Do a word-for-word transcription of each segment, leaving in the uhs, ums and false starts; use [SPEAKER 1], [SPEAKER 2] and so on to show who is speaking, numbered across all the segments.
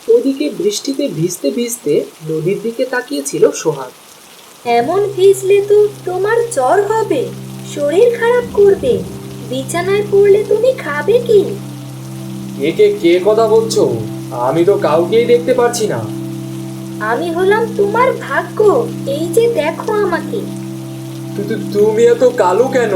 [SPEAKER 1] ওদিকে বৃষ্টিতে ভিজতে ভিজতে নদীর দিকে তাকিয়েছিল সোহাগ।
[SPEAKER 2] এমন ভিজলে তো তোমার জ্বর হবে, শরীর খারাপ করবে, বিছানায় পড়লে তুমি খাবে কি?
[SPEAKER 3] কে কে কে কথা বলছো? আমি তো কাউকেই দেখতে পারছি না।
[SPEAKER 2] আমি হলাম তোমার ভাগ্য, এই যে দেখো আমাকে।
[SPEAKER 3] কিন্তু তুমি এত কালো কেন?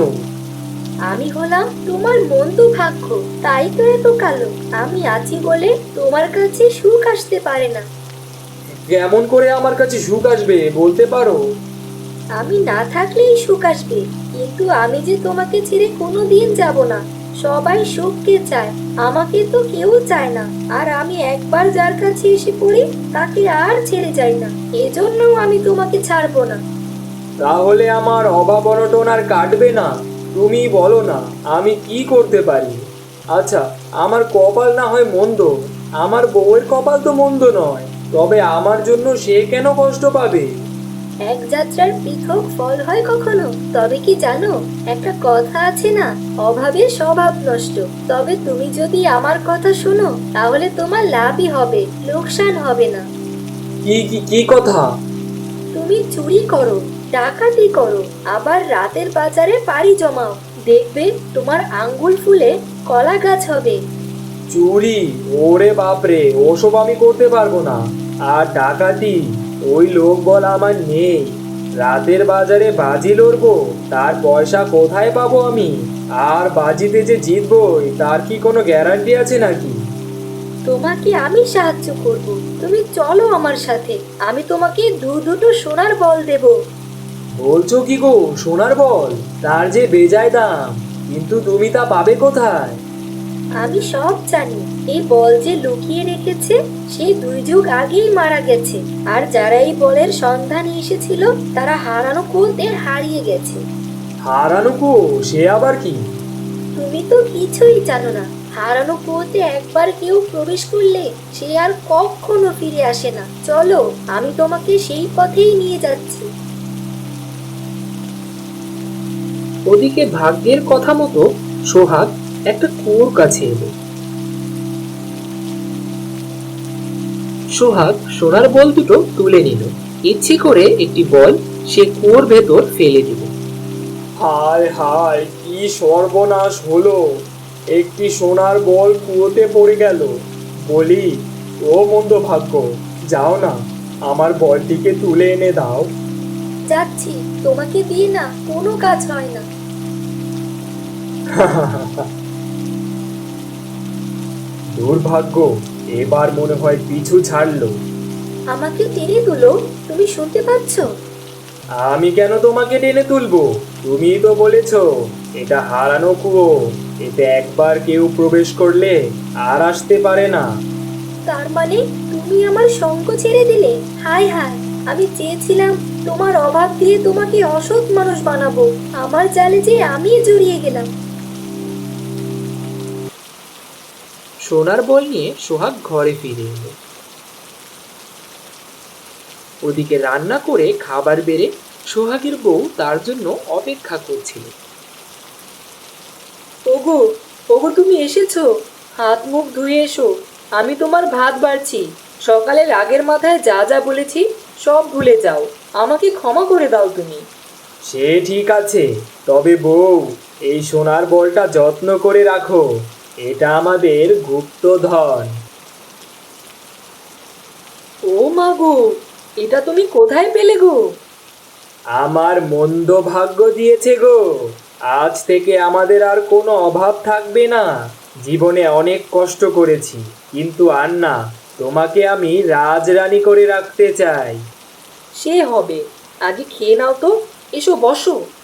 [SPEAKER 2] আমি হলাম তোমার মন্দ ভাগ্য, তাই তো এত কালো। আমি আছি বলে তোমার কাছে সুখ আসতে পারে না।
[SPEAKER 3] কেমন করে আমার কাছে সুখ আসবে বলতে পারো?
[SPEAKER 2] আমি না থাকলেই সুখ আসবে, কিন্তু আমি যে তোমাকে ছেড়ে কোনো দিন যাব না। সবাই সুখকে চায়, আমাকে তো কেউ চায় না। আর আমি একবার যার কাছে এসে পড়ি তাকে আর ছেড়ে যাই না, এজন্য আমি তোমাকে ছাড়বো না।
[SPEAKER 3] তাহলে আমার অভাব অনটন আর কাটবে না? তুমি বলো না, আমি কি করতে পারি? আচ্ছা, আমার কপাল না হয় মন্দ, আমার বউয়ের কপাল তো মন্দ নয়, তবে আমার জন্য সে কেন কষ্ট পাবে?
[SPEAKER 2] এক যাত্রার পৃথক ফল হয় কখনো? তবে কি জানো, একটা কথা আছে না, অভাবে স্বভাব নষ্ট। তবে তুমি যদি আমার কথা শোনো তাহলে তোমার লাভই হবে, লোকসান হবে না।
[SPEAKER 3] কি কি কি কথা?
[SPEAKER 2] তুমি চুরি করো, ডাকাতি করো, আবার রাতের বাজারে পাড়ি জমাও, দেখবে তোমার আঙ্গুল ফুলে কলা গাছ হবে।
[SPEAKER 3] চুরি? ওরে বাপরে, ওসব আমি করতে পারবো না। আর ডাকাতি? ওই লোক বল আমার নেই। রাতের বাজারে বাজি লড়বো, তার পয়সা কোথায় পাবো আমি? আর বাজিতে যে জিতবই তার কি কোনো গ্যারান্টি আছে নাকি?
[SPEAKER 2] তোমাকে আমি সাহায্য করব, তুমি চলো আমার সাথে, আমি তোমাকে দু দুটো সোনার বল দেব।
[SPEAKER 3] বলছো কি গো, সোনার বল? তার যে বেজায় দাম, কিন্তু তুমি তা পাবে কোথায়?
[SPEAKER 2] আমি সব জানি, এই বল যে লুকিয়ে রেখেছে সে দুই যুগ আগেই মারা গেছে। আর যারা এই বলের সন্ধানে এসেছিল তারা হারানো কুয়োতে হারিয়ে গেছে।
[SPEAKER 3] হারানো কো? সে আবার কি?
[SPEAKER 2] তুমি তো কিছুই জানো না। হারানো কুয়োতে একবার কেউ প্রবেশ করলে সে আর কখনো ফিরে আসে না। চলো, আমি তোমাকে সেই পথেই নিয়ে যাচ্ছি।
[SPEAKER 1] ওদিকে ভাগ্যের কথা মতো সোহাগ একটা কুয়োর কাছে এলো। সোহাগ সোনার বল দুটো তুলে নিল, ইচ্ছে করে একটি বল সে কুয়োর ভেতর ফেলে দিল।
[SPEAKER 3] হায় হায়, কি সর্বনাশ হলো! একটি সোনার বল কুয়োতে পড়ে গেল। বলি, ও মন্দ ভাগ্য, যাও না, আমার বলটিকে তুলে এনে দাও।
[SPEAKER 2] যাচ্ছি, তোমাকে দিয়ে না কোনো কাজ হয় না।
[SPEAKER 3] দুর্ভাগ্য, এবার মনে হয় পিছু ছাড়লো।
[SPEAKER 2] আমাকে টেনে তুলো, তুমি শুনতে পাচ্ছ?
[SPEAKER 3] আমি কেন তোমাকে টেনে তুলবো? তুমিই তো বলেছো এটা হারানো কুয়ো, এতে একবার কেউ প্রবেশ করলে আর আসতে পারে না।
[SPEAKER 2] তার মানে তুমি আমার সঙ্গ ছেড়ে দিলে? হায় হায়, আমি চেয়েছিলাম তোমার অভাব দিয়ে তোমাকে অসৎ মানুষ বানাবো, আমার জালে যে আমি জড়িয়ে গেলাম।
[SPEAKER 1] সোনার বল নিয়ে সোহাগ ঘরে ফিরে এলো। ওদিকে রান্না করে খাবার বেড়ে সোহাগের বউ তার জন্য অপেক্ষা করছিল।
[SPEAKER 2] ওগো, ওগো তুমি এসেছো, হাত মুখ ধুয়ে এসো, আমি তোমার ভাত বাড়ছি। সকালে রাগের মাথায় যা যা বলেছি সব ভুলে যাও, আমাকে ক্ষমা করে দাও তুমি।
[SPEAKER 3] সে ঠিক আছে, তবে বউ, এই সোনার বলটা যত্ন করে রাখো, এটা আমাদের গুপ্তধন।
[SPEAKER 2] ও মা গো, এটা তুমি কোথায় পেলে গো?
[SPEAKER 3] আমার মন্দ ভাগ্য দিয়েছে গো। আজ থেকে আমাদের আর কোনো অভাব থাকবে না। জীবনে অনেক কষ্ট করেছি, কিন্তু আর না, তোমাকে আমি রাজরানী করে রাখতে চাই।
[SPEAKER 2] সে হবে, আগে খেয়ে নাও তো, এসো বসো।